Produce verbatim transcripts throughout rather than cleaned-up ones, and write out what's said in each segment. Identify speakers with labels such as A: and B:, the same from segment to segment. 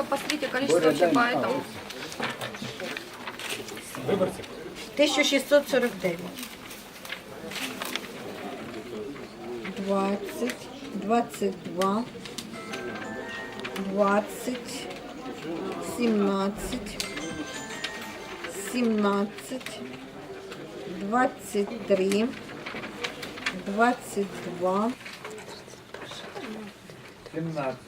A: посмотрите количество вообще по этому.
B: тисяча шістсот сорок дев'ять. двадцять, двадцять два, двадцять, сімнадцять, сімнадцять, двадцять три, двадцять два,
C: семнадцать.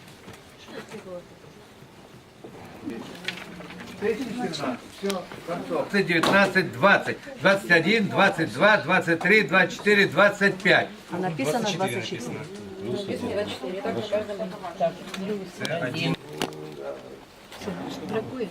C: Все, девятнадцать, двадцать, двадцать один, двадцать два, двадцать три, двадцать четыре, двадцать пять.
D: А написано двадцать четыре.
A: Бракует.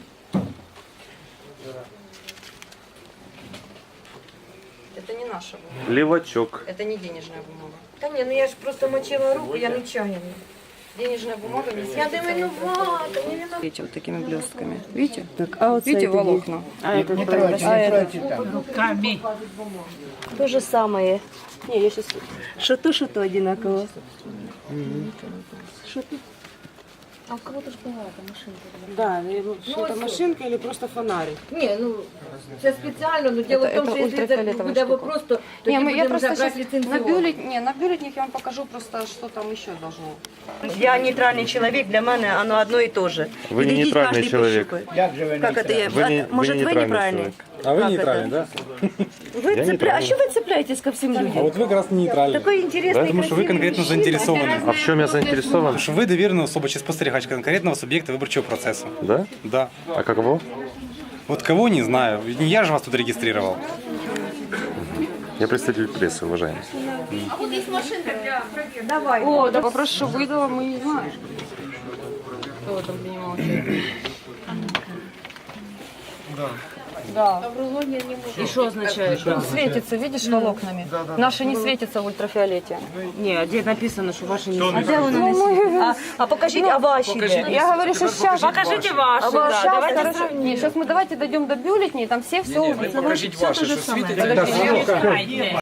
A: Это не наша бумага.
E: Левачок.
A: Это не денежная бумага.
B: Та ні, ну я ж просто мочила руку, я нечаянно.
A: Денежная бумага не
B: Я не винувата, не винувата.
A: Видите, вот такими блестками. Видите?
D: Так, а вот
A: Видите волокна?
D: А этот,
C: Не тройте,
D: а
C: не
D: этот
C: тройте там.
D: то же самое. Не, я сейчас что-то, что-то одинаково. Что-то.
B: А у кого-то ж была эта машинка.
D: Да, ну, что-то машинка или просто фонарик.
B: Ні, ну це спеціально, но дело
A: Это-
B: в тому,
A: это
B: що якщо це
A: ультрафиолетовая
B: буде
A: штука.
B: вопрос, то
A: Не,
B: тоді
A: мы, я
B: будемо
A: просто
B: вже брати
A: сейчас на,
B: ліцензіон.
A: бюллет, не, на бюллетник я вам покажу просто, что там еще должно.
D: Я нейтральный человек, для меня оно одно и то же.
E: Вы не
D: Глядеть
E: нейтральный
D: каждый
E: человек.
D: пощупает.
C: Як же ви
D: Как это я?
E: Вы не-
D: А,
E: вы
D: Может,
E: не
D: вы
E: нейтральный
D: неправильный?
E: человек.
F: А вы
D: Как
F: нейтральный,
D: это?
F: да?
D: Вы
E: Я
D: цепля...
E: нейтральный.
D: А что вы цепляетесь ко всем
F: А
D: людям?
F: вот вы как раз нейтральный.
D: Такой интересный,
E: Да,
F: Потому что вы
D: красивый
F: конкретно
D: мужчина.
F: заинтересованы.
E: А в чем я заинтересован?
F: Потому что вы доверенная особа чи спостерігач конкретного субъекта выборчего процесса.
E: Да?
F: Да.
E: А каково?
F: Вот кого не знаю. Не я же вас тут регистрировал.
E: Я представитель прессы, уважаемый.
A: О, да попрошу, выдала, мы не знаем. Кто там принимал участие? Да.
D: И что означает?
A: Он светится, видишь, волокнами? Наши не светятся в ультрафиолете.
D: Не, а где написано, что ваши не
B: А де воно не світить? А, а покажіть, а ваші де?
A: Я говорю, что сейчас.
D: Покажите ваши,
A: А вот
D: да,
A: сейчас,
D: давайте
A: хорошо.
D: сравним.
A: Нет, сейчас мы давайте дойдем до бюллетней, там все все увидят.
F: Покажите ваши, что светит.